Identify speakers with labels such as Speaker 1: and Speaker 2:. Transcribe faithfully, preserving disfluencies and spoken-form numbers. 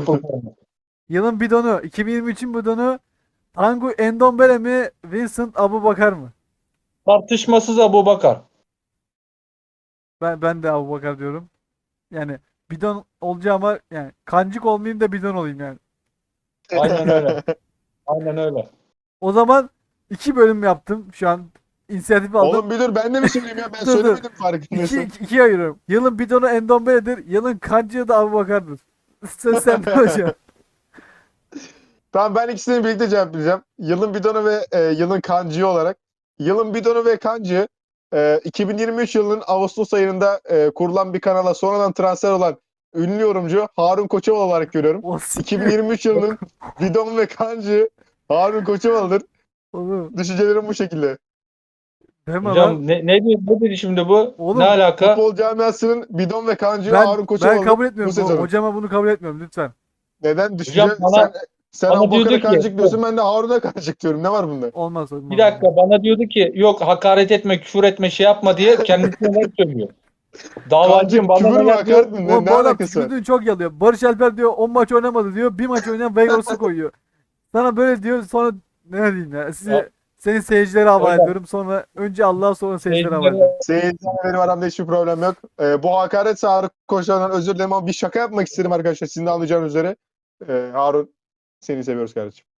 Speaker 1: Apple forması.
Speaker 2: Yılın bidonu, iki bin yirmi üçün bidonu Tanguy Endombele mi, Vincent Aboubakar mı?
Speaker 1: Tartışmasız Abubakar.
Speaker 2: Ben ben de Aboubakar diyorum. Yani bidon olacağıma yani kancık olmayayım da bidon olayım yani.
Speaker 1: Aynen öyle. Aynen öyle.
Speaker 2: O zaman iki bölüm yaptım. Şu an inisiyatif aldım.
Speaker 3: Oğlum bir dur ben de mi söyleyeyim ya? Ben
Speaker 2: Dur dur.
Speaker 3: söylemedim
Speaker 2: İki,
Speaker 3: farkındaysan.
Speaker 2: iki, ikiye ayırıyorum. Yılın bidonu Endombele'dir. Yılın kancığı da Aboubakar'dır. Söz sende hocam.
Speaker 3: Tamam ben ikisini birlikte cevaplayacağım. Yılın bidonu ve e, yılın kancığı olarak. Yılın bidonu ve kancığı e, iki bin yirmi üç yılının Ağustos ayında e, kurulan bir kanala sonradan transfer olan ünlü yorumcu Harun Koçovalı olarak görüyorum.
Speaker 2: O siktir.
Speaker 3: iki bin yirmi üç yılının bidon ve kancığı Harun Koçovalı'dır.
Speaker 2: Oğlum
Speaker 3: Düşüncelerim bu şekilde.
Speaker 2: deme lan.
Speaker 1: Hocam ne, ne, diyor, ne dedi şimdi bu?
Speaker 2: Oğlum,
Speaker 1: ne alaka?
Speaker 3: Futbol camiasının bidon ve kancığı
Speaker 2: Ben
Speaker 3: Harun
Speaker 2: ben
Speaker 3: Koçovalı'dır
Speaker 2: kabul
Speaker 3: bu
Speaker 2: etmiyorum. Bu,
Speaker 3: sezonun.
Speaker 2: hocama bunu kabul etmiyorum lütfen.
Speaker 3: Neden? Düşünce
Speaker 1: Hocam bana,
Speaker 3: sen sen
Speaker 1: bana
Speaker 3: Abubakar'a
Speaker 1: diyordu ki
Speaker 3: kancık diyorsun ben de Harun'a kancık diyorum. Ne var bunda?
Speaker 2: Olmaz olmaz.
Speaker 1: bir dakika bana diyordu ki yok hakaret etme, küfür etme, şey yapma diye kendisine laf söylüyor. Davacıyım
Speaker 3: Kancık
Speaker 1: bana
Speaker 3: küfür mü
Speaker 1: neler diyor.
Speaker 3: hakaret mi? Ne,
Speaker 2: Oğlum
Speaker 3: ne
Speaker 2: bu adam
Speaker 3: alakası var?
Speaker 2: tükürdüğünü çok yalıyor. Barış Alper diyor on maç oynamadı diyor. Bir maç oynayan Vegas'ı koyuyor. Sana böyle diyor sonra ne diyeyim ya. Sizi senin seyircilere havale
Speaker 1: Hocam.
Speaker 2: ediyorum. Sonra önce Allah'a sonra seyircilere havale
Speaker 1: Seyircilere-
Speaker 2: ediyorum.
Speaker 3: Seyircilerle benim aramda hiçbir problem yok. Ee, bu hakaretse Harun Koçovalı'dan özür dilerim ama bir şaka yapmak istedim arkadaşlar. Sizin de anlayacağınız üzere. Ee, Harun seni seviyoruz kardeşim.